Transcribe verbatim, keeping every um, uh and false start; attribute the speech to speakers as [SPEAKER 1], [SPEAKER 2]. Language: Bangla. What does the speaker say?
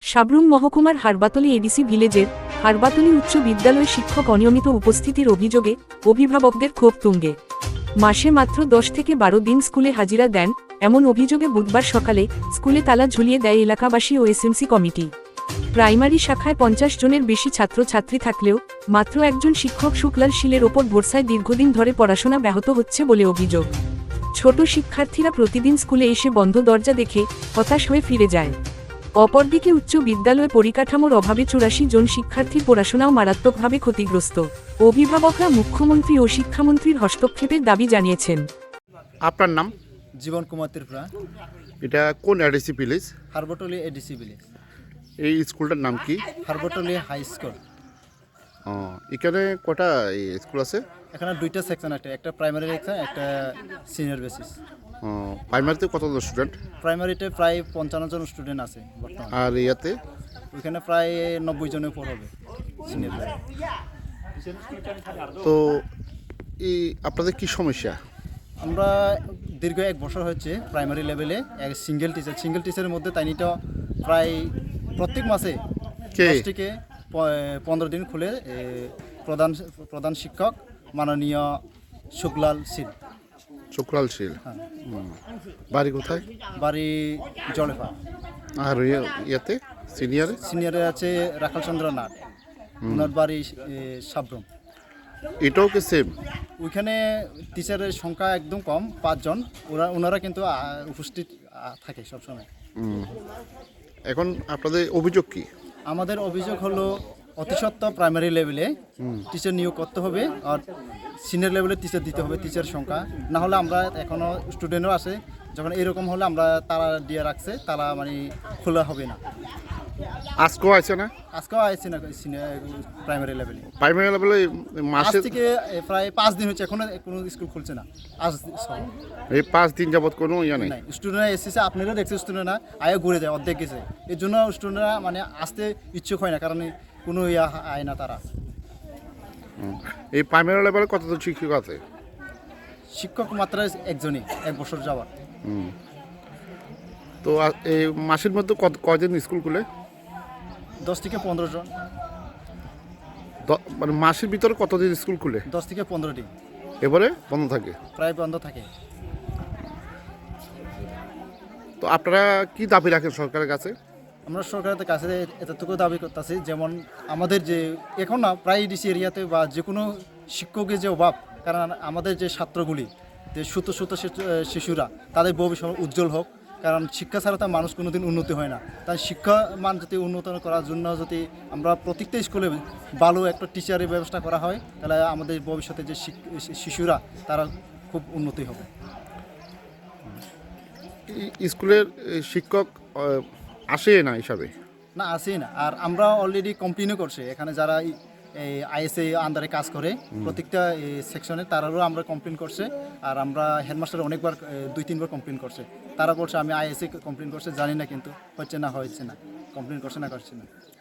[SPEAKER 1] সাব্রুম মহকুমার হারবাতলী এডিসি ভিলেজের হারবাতলী উচ্চ বিদ্যালয়ে শিক্ষক অনিয়মিত উপস্থিতির অভিযোগে অভিভাবকদের ক্ষোভ তুঙ্গে। মাসে মাত্র দশ থেকে বারো দিন স্কুলে হাজিরা দেন, এমন অভিযোগে বুধবার সকালে স্কুলে তালা ঝুলিয়ে দেয় এলাকাবাসী ও এসএমসি কমিটি। প্রাইমারি শাখায় পঞ্চাশ জনের বেশি ছাত্রছাত্রী থাকলেও মাত্র একজন শিক্ষক শুক্লাল শীলের ওপর ভরসায় দীর্ঘদিন ধরে পড়াশোনা ব্যাহত হচ্ছে বলে অভিযোগ। ছোট শিক্ষার্থীরা প্রতিদিন স্কুলে এসে বন্ধ দরজা দেখে হতাশ হয়ে ফিরে যায়। অপরদিকে উচ্চ বিদ্যালয়ে পরিকাঠামোর অভাবে চুরাশি জন শিক্ষার্থীর পড়াশোনাও মারাত্মকভাবে ক্ষতিগ্রস্ত। অভিভাবকরা মুখ্যমন্ত্রী ও শিক্ষামন্ত্রীর হস্তক্ষেপের দাবি জানিয়েছেন।
[SPEAKER 2] আপনার নাম?
[SPEAKER 3] জীবন কুমার ত্রিপুরা।
[SPEAKER 2] এটা কোন ADC village?
[SPEAKER 3] Harbatali ADC village.
[SPEAKER 2] এই স্কুলটার নাম কি?
[SPEAKER 3] হারবাতলী হাই স্কুল।
[SPEAKER 2] ও, এখানে কটা স্কুল আছে?
[SPEAKER 3] এখানে দুইটা সেকশন আছে, একটা প্রাইমারি সেকশন, একটা সিনিয়র বেসিস।
[SPEAKER 2] ও, প্রাইমারিতে কতজন স্টুডেন্ট?
[SPEAKER 3] প্রাইমারিতে প্রায় পঞ্চান্ন জন স্টুডেন্ট আছে বর্তমানে।
[SPEAKER 2] আর ইয়াতে?
[SPEAKER 3] ওইখানে প্রায় নব্বই জনের উপর হবে সিনিয়র।
[SPEAKER 2] তো এই আপনাদের কি সমস্যা?
[SPEAKER 3] আমরা দীর্ঘ এক বছর হচ্ছে প্রাইমারি লেভেলে এক সিঙ্গেল টিচার সিঙ্গেল টিচারের মধ্যে তাইনিটা প্রায় প্রত্যেক মাসে দশ থেকে পনেরো দিন খুলে প্রধান প্রধান শিক্ষক মাননীয় শুক্লাল শীল।
[SPEAKER 2] শুক্লাল শীল,
[SPEAKER 3] হ্যাঁ।
[SPEAKER 2] বাড়ি কোথায়?
[SPEAKER 3] বাড়ি জলেফা।
[SPEAKER 2] আর ইয়াতে সিনিয়রে?
[SPEAKER 3] সিনিয়রে আছে রাখাল চন্দ্র নাথ, ওনার বাড়ি সাব্রুম।
[SPEAKER 2] এটাও কি সেম?
[SPEAKER 3] ওইখানে টিচারের সংখ্যা একদম কম, পাঁচজন। ওরা ওনারা কিন্তু উপস্থিত থাকে সবসময়।
[SPEAKER 2] এখন আপনাদের অভিযোগ কি?
[SPEAKER 3] আমাদের অভিযোগ হলো অতি সত্ত্বর প্রাইমারি লেভেলে টিচার নিয়োগ করতে হবে, আর সিনিয়র লেভেলে টিচার দিতে হবে টিচার সংখ্যা। না হলে আমরা এখনও স্টুডেন্টও আছে, যখন এরকম হলে আমরা তারা দিয়ে রাখছে, তারা মানে খোলা হবে না।
[SPEAKER 2] আজকেও আছে না?
[SPEAKER 3] আজকেও আছে না সিনিয়র প্রাইমারি লেভেলে।
[SPEAKER 2] প্রাইমারি লেভেলে মাসে
[SPEAKER 3] থেকে প্রায় পাঁচ দিন হচ্ছে, এখনো কোনো স্কুল খুলছে না। আজ
[SPEAKER 2] এই পাঁচ দিন যাবত কোনো ইয়া নেই।
[SPEAKER 3] স্টুডেন্টরা এসেছে, আপনারা দেখছে স্টুডেন্টরা আয়ে ঘুরে যায়, অর্ধেক গেছে। এর জন্য স্টুডেন্টরা মানে আসতে ইচ্ছুক হয় না, কারণ কোনো ইয়া আয় না তারা।
[SPEAKER 2] এই প্রাইমারি লেভেলে কতজন শিক্ষক আছে?
[SPEAKER 3] শিক্ষক মাত্র একজনই, এক বছর যাওয়ার।
[SPEAKER 2] তো এই মাসের মধ্যে কত কয়দিন স্কুল খুলে?
[SPEAKER 3] দশ থেকে পনেরো জন।
[SPEAKER 2] মানে মাসের ভিতরে কতদিন স্কুল খুলে?
[SPEAKER 3] দশ থেকে পনেরো দিন।
[SPEAKER 2] এবারে বন্ধ থাকে?
[SPEAKER 3] প্রায় বন্ধ থাকে।
[SPEAKER 2] তো আপনারা কি দাবি রাখেন সরকারের কাছে?
[SPEAKER 3] আমরা সরকারের কাছে এতটুকু দাবি করতেছি, যেমন আমাদের যে এখন না প্রায় ডিসি এরিয়াতে বা যে কোনো শিক্ষকের যে অভাব, কারণ আমাদের যে ছাত্রগুলি, যে সুতো সুতো শিশুরা, তাদের ভবিষ্যৎ উজ্জ্বল হোক। কারণ শিক্ষা ছাড়া তার মানুষ কোনোদিন উন্নতি হয় না। তাই শিক্ষা মান যদি উন্নত করার জন্য যদি আমরা প্রত্যেকটা স্কুলে ভালো একটা টিচারের ব্যবস্থা করা হয়, তাহলে আমাদের ভবিষ্যতে যে শিশুরা তারা খুব উন্নতি হবে।
[SPEAKER 2] স্কুলের শিক্ষক আসে না হিসাবে?
[SPEAKER 3] না, আসেই না। আর আমরা অলরেডি কমপ্লেনও করছি, এখানে যারা এই আইএসএ আন্ডারে কাজ করে প্রত্যেকটা সেকশনে, তারারও আমরা কমপ্লেন করছে। আর আমরা হেডমাস্টার অনেকবার দুই তিনবার কমপ্লেন করছে, তারা বলছে আমি আইএসএ কমপ্লেন করছে, জানি না কিন্তু হচ্ছে না হচ্ছে না, কমপ্লেন করছে না করছে না।